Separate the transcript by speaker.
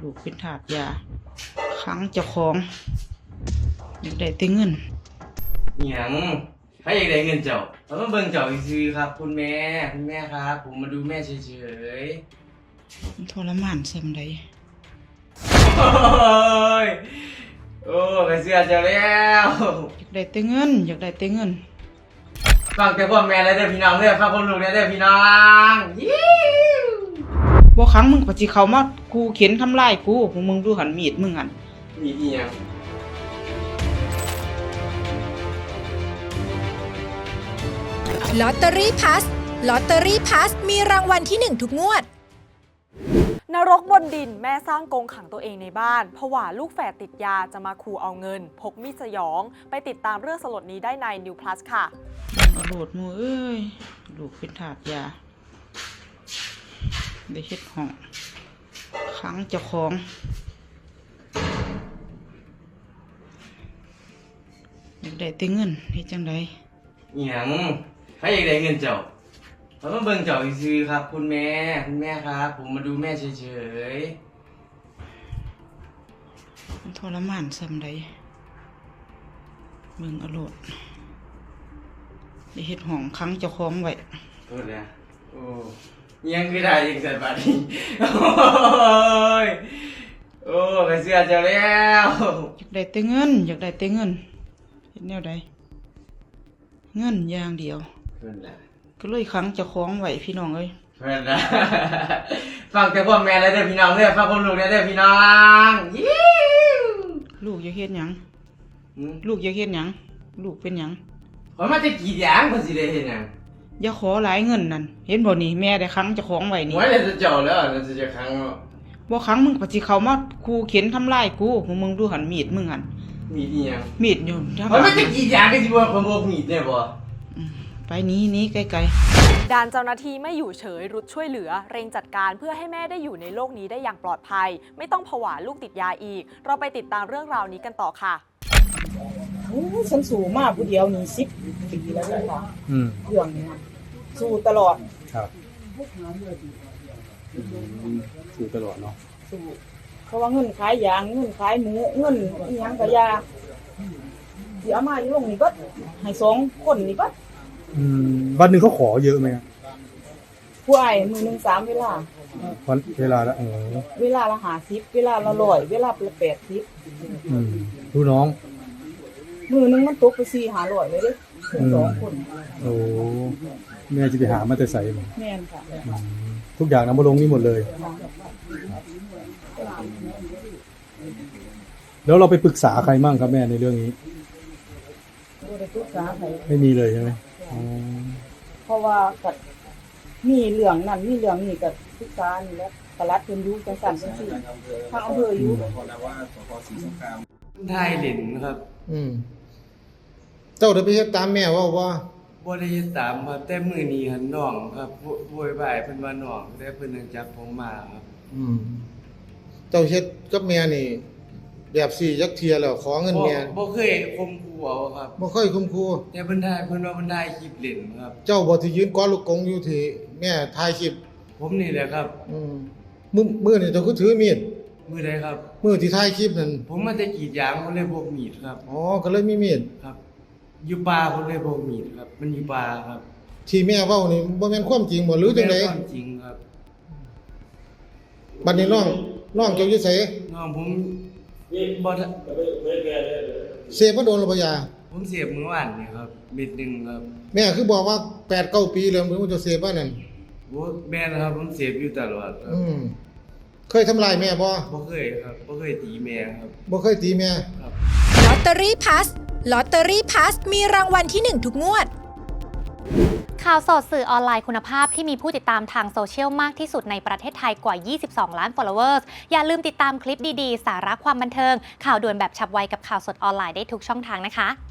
Speaker 1: ลูกเป็นทาสยาขังเจ้าของอยากได้แต่เงิน
Speaker 2: หยังใครอยากได้เงินเจ้าเราต้องเบิ่งเจ้าซื้อครับคุณแม่ครับผมมาดูแม่เฉย
Speaker 1: มันทรมานซำใด
Speaker 2: ๆโอ้ยโอ้ไปเสื้อเจ้าแล้ว
Speaker 1: อยากได้แต่เงินอยากได้แต่เงิน
Speaker 2: ฟังแต่พ่อแม่แล้วเด้อพี่น้องเด้อฟังคนลูกแล้วเด้อพี่น้อง
Speaker 1: บ่ครั้งมึงก็สิเข้ามากูเข็นทำลายกูพวกมึงดูหันมีดมึงหัน
Speaker 2: มีอีหยัง
Speaker 3: ลอตเตอรี่พัสลอตเตอรี่พัสมีรางวัลที่1ทุกงวด
Speaker 4: นรกบนดินแม่สร้างกรงขังตัวเองในบ้านผวาลูกแฝดติดยาจะมาขู่เอาเงินพกมีดสยองไปติดตามเรื่องสลดนี้ได้ใน New Plus ค่ะ
Speaker 1: โหลดมือเอ้ยลูกเป็นทาสยาได้เฮ็ดห้องขังเจ้าของอยากได้แต่เงินเฮ็ดจังได๋
Speaker 2: หยังใครอยากได้เงินเจ้าเราต้องเบิ่งเจ้าซื้อครับคุณแม่ครับผมมาดูแม่เฉยๆ
Speaker 1: มันทรมานซำใดเบิ่งเอาโลดได้เฮ็ดห้องขังเจ้าของไว้
Speaker 2: โทษนะโอ้ยังคือได้ยังสันบาดนี้โอ้ยโอ้ไปเสื้อเจ้าแล้ว
Speaker 1: อยากได้แต่เงินอยากได้แต่เงินเฮ็ดแนวใดเงินอย่างเดียว
Speaker 2: เพิ่นน่ะ
Speaker 1: ก็เลยขังเจ้าของไว้พี่น้องเอ้ย
Speaker 2: เพิ่นน่ะฟังแต่พ่อแม่แล้วเด้อพี่น้องเด้อฟังคนลูกแล้วเด้อพี่น้อง
Speaker 1: ลูกอยากเฮ็ดหยังลูกอยากเฮ็ดหยังลูกเป็นหยัง
Speaker 2: ข่อยมาจะกรีดยางเพิ่นสิได้เฮ็ดหยัง
Speaker 1: อย่าขอหลายเงินนั่นเห็นบ่นี่แม่ได้ขังเจ้าของไว้นี่
Speaker 2: ไว้แล้วจะเจ้าแล้วแล้วจะขัง
Speaker 1: บ่ขังมึงก็สิเข้ามาขู่เข็นทำลายกูพวกมึงดูหันมีดมึงหัน
Speaker 2: มีดอีหยัง
Speaker 1: มีดอยู่
Speaker 2: ข่อยมาจะกรีดยางก็สิว่าข่อยบ่มีดแน่บ่
Speaker 1: ไปนี้ไกล
Speaker 4: ด่านเจ้าหน้าที่ไม่อยู่เฉยรุดช่วยเหลือเร่งจัดการเพื่อให้แม่ได้อยู่ในโลกนี้ได้อย่างปลอดภัยไม่ต้องผวาลูกติดยาอีกเราไปติดตามเรื่องราวนี้กันต่อค่ะ
Speaker 1: ฉันสู้มาผู้เดียวนี่10 ปีแล้วค่ะเรื่องนี้สู้ตลอด
Speaker 5: ครับสู้ตลอดเนาะ
Speaker 1: สู้เพราะว่าเงินขายยางเงินขายหมูเงินอีหยังก็ยาสิเอามาอยู่ลงนี่เบิดให้2คนนี่เบิด
Speaker 5: วันนึงเขาขอเยอะไหม
Speaker 1: ผู้อ้ายมื้อนึง3เวลา
Speaker 5: วันเวลาละ
Speaker 1: เวลาละ50เวลาละ100เวลาละ80
Speaker 5: ลูกน้อง
Speaker 1: มื้อนึงมันตกไป4-500เลยเด้2คน
Speaker 5: โอ้แม่จะไปหามาแต่ไสบ่
Speaker 1: แม่นค่ะ
Speaker 5: ทุกอย่างนำมาลงนี่หมดเลยแล้วเราไปปรึกษาใครมั่งครับแม่ในเรื่องนี้
Speaker 1: บ่ได้ปรึกษาใคร
Speaker 5: ไม่มีเลยใช่มั้ย
Speaker 1: เพราะว่าก็มีเรื่องนั้นมีเรื่องนี้ก็ปรึกษานี่แหละปลัดเพิ่นอยู่จังซั่นจังซี่ทางอำเภออยู่
Speaker 2: ได้เล่นครับ
Speaker 5: เจ้าได้ไปเฮ็ดตามแม่ว่า
Speaker 2: บ่ได้เฮ็ดตามครับแต่มื้อนี้หั่นน้องครับโวยวายเพิ่นว่าน้องแต่เพิ่นนึงจับผมมาครับ
Speaker 5: เจ้าเฮ็ดกับแม่นี่แบบ4จักเที่ยแล้วขอเงินแม่
Speaker 2: บ่เคยข่มขู่เอาครับ
Speaker 5: บ่เคยข่มขู่
Speaker 2: แต่เพิ่นว่าเพิ่นได้คลิปเล่นครับ
Speaker 5: เจ้าบ่ที่ยืนกอดลูกกงอยู่ที่แม่ถ่ายคลิป
Speaker 2: ผมนี่แหละครับ
Speaker 5: มื้อนี่เจ้าคือถือมีด
Speaker 2: มื้อใดครับ
Speaker 5: มื้อที่ถ่ายคลิปนั่น
Speaker 2: ผมมาแต่กรีดยางผมเลยพกมีดครับ
Speaker 5: อ๋อก็เลยมีมีด
Speaker 2: ครับอยู่ป่าผมเลยพกมีดครับมันอยู่ป่าครับ
Speaker 5: ที่แม่เว้านี่บ่แม่นความจริงบ่หรือจังได๋
Speaker 2: ความจริงครับ
Speaker 5: บัดนี้น้องเจ้าอยู่ไส
Speaker 2: น้องผมบ่
Speaker 5: เสพมาโดนหรือบ่ยา
Speaker 2: ผมเสพมื้อวานนี่ครับเม็ดนึงครับ
Speaker 5: แม่คือบอกว่า 8-9 ปีแล้วมึงจะเสพว่านั่น
Speaker 2: โอ้แม่นะครับผมเสพอยู่ตลอดครับ
Speaker 5: เคยทำลายแม่บ่
Speaker 2: เคยครับบ่เคยตีแม่ครับ
Speaker 5: บ่เคยตีแม่
Speaker 2: ครับ
Speaker 3: ลอตเตอรี่พัสลอตเตอรี่พัสมีรางวัลที่1ทุกงวด
Speaker 6: ข่าวสดสื่อออนไลน์คุณภาพที่มีผู้ติดตามทางโซเชียลมากที่สุดในประเทศไทยกว่า22ล้าน followers อย่าลืมติดตามคลิปดีๆสาระความบันเทิงข่าวด่วนแบบฉับไวกับข่าวสดออนไลน์ได้ทุกช่องทางนะคะ